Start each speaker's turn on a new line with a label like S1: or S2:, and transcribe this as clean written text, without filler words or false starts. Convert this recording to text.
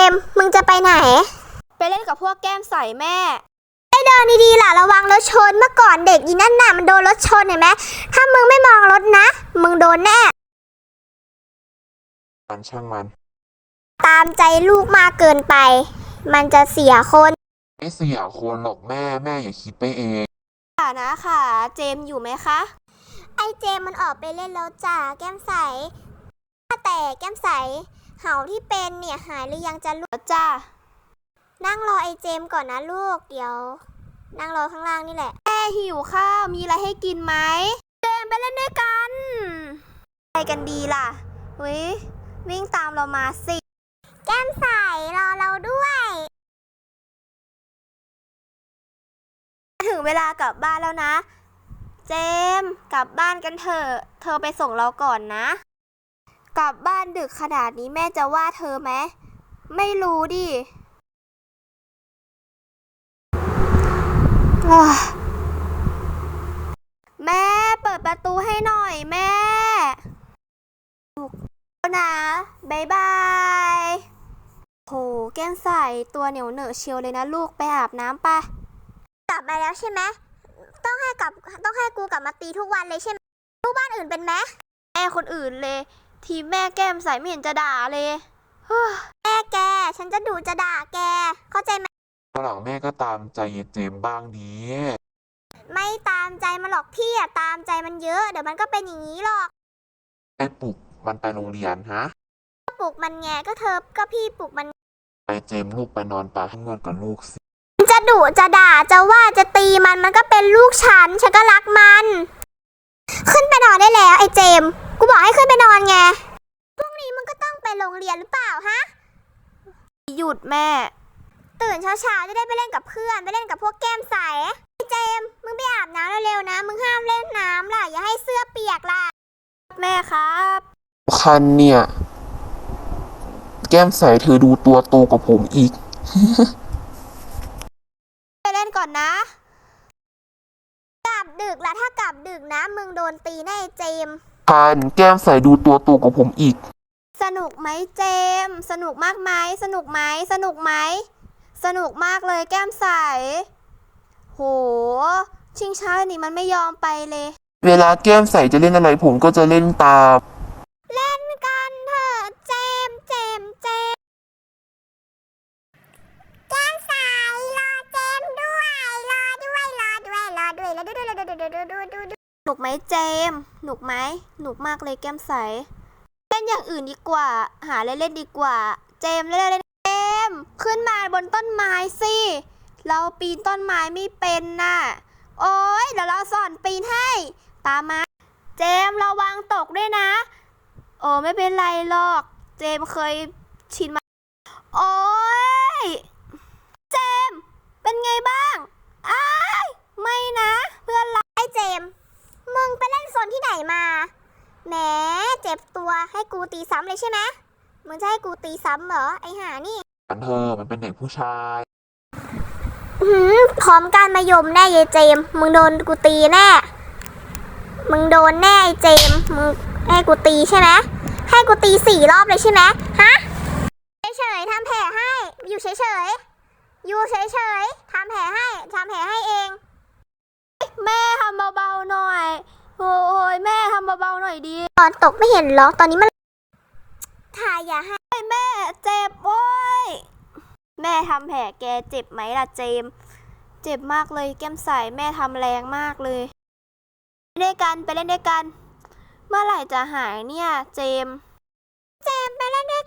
S1: มส์มึงจะไปไหน
S2: ไปเล่นกับพวกแก้มใสแม่
S1: เดินดีๆล่ะระวังรถชนเมื่อก่อนเด็กอีนั่นน่ะมันโดนรถชนเห็นไหมถ้ามึงไม่มองรถนะมึงโดนแน่
S3: มันช่างมัน
S1: ตามใจลูกมากเกินไปมันจะเสียคน
S3: ไม่เสียคนหรอกแม่อย่าคิดไปเอง
S2: ค่ะนะค่ะเจมอยู่ไหมคะ
S1: ไอเจมมันออกไปเล่นแล้วจ้าแก้มใสแต่แก้มใสเห่าที่เป็นเนี่ยหายหรือยังจะลูก
S2: จ้า
S1: นั่งรอไอเจมก่อนนะลูกเดี๋ยวนั่งรอข้างล่างนี่แหละ
S2: แม่หิวข้าวมีอะไรให้กินไหมเจมไปเล่นด้วยกันไปกันดีล่ะวิ่งตามเรามาสิ
S1: แก้มใสรอเราด้วย
S2: ถึงเวลากลับบ้านแล้วนะเจมกลับบ้านกันเถอะเธอไปส่งเราก่อนนะกลับบ้านดึกขนาดนี้แม่จะว่าเธอไหมไม่รู้ดิแม่เปิดประตูให้หน่อยแม่นะบ๊ายบายโหแก้มใสตัวเหนียวเหนอะเชียวเลยนะลูกไปอาบน้ำไป
S1: กลับมาแล้วใช่ไหมต้องให้กูกลับมาตีทุกวันเลยใช่ไหมลูกบ้านอื่นเป็นไหม
S2: แม่คนอื่นเลยทีแม่แก้มใสไม่เห็นจะด่าเลย
S1: แม่แกฉันจะดุจะด่าแกเข้าใจไหม
S3: หลังแม่ก็ตามใจเจมบ้างดี
S1: ไม่ตามใจมันหรอกพี่อะตามใจมันเยอะเดี๋ยวมันก็เป็นอย่างนี้หรอก
S3: ไอ้ปลุกมันไปโรงเรียนฮะ
S1: ปลุกมันไงก็พี่ปลุกมัน
S3: ไปเจมลูกไปนอนปาข้างนอนกับลูกสิ
S1: จะดุจะด่าจะว่าจะตีมันก็เป็นลูกฉันก็รักมันขึ้นไปนอนได้แล้วไอ้เจมกูบอกให้ขึ้นไปนอนไงพรุ่งนี้มึงก็ต้องไปโรงเรียนหรือเปล่าฮะ
S2: หยุดแม่
S1: ตื่นเช้าจะได้ไปเล่นกับเพื่อนไปเล่นกับพวกแก้มใสไอ้เจมมึงไปอาบน้ำเร็วๆนะมึงห้ามเล่นน้ำล่ะอย่าให้เสื้อเปียกล่ะ
S2: แม่ครับ
S3: คันเนี่ยแก้มใสเธอดูตัวโตกว่าผมอีก
S2: ไปเล่นก่อนนะ
S1: กลับดึกละถ้ากลับดึกนะมึงโดนตีแน่เจม
S3: คันแก้มใสดูตัวโตกว่าผมอีก
S2: สนุกไหมเจมสนุกมากไหมสนุกไหมสนุกไหมสนุกมากเลยแก้มใสโหชิงช้านี่มันไม่ยอมไปเลย
S3: เวลาแก้มใสจะเล่นอะไรผมก็จะเล่นตาม
S1: เล่นกันเถอะเจมแก้มใสรอเจมด้วย
S2: หนุกไหมเจมหนุกไหมหนุกมากเลยแก้มใสเล่นอย่างอื่นดีกว่าหาเล่นดีกว่าเจมเล่นเจมขึ้นมาบนต้นไม้สิเราปีนต้นไม้ไม่เป็นน่ะโอ๊ยเดี๋ยวเราสอนปีนให้ตามมาเจมระวังตกด้วยนะโอ้ไม่เป็นไรหรอกเจมเคยชินมาโอ๊ยเจมเป็นไงบ้างอ้ายไม่นะเพื่อนรัก
S1: ไอ้เจมมึงไปเล่นโซนที่ไหนมาแหมเจ็บตัวให้กูตีซ้ำเลยใช่ไหมมึงจะให้กูตีซ้ำเหรอไอ้ห่านี่
S3: มันเป็นเด็กผู้ชาย
S1: พร้อมการมายมแน่ยายเจมมึงโดนกูตีแน่มึงโดนแน่ไอ้เจมมึงให้กูตีใช่ไหมให้กูตี4 รอบเลยใช่ไหมฮะเฉยๆทำแผลให้อยู่เฉยๆทำแผลให้เอง
S2: แม่ทำเบาๆหน่อยโอ้ยแม่ทำเบาๆหน่อยดี
S1: ตอนตกไม่เห็นหรอตอนนี้มันถ่ายอย่าให้
S2: แม่เจ็บโว้ยแม่ทำแผลแกเจ็บไหมล่ะเจมเจ็บมากเลยแก้มใสแม่ทำแรงมากเลยไปเล่นด้วยกันเมื่อไหร่จะหายเนี่ยเจม
S1: ไปเล่นด้วย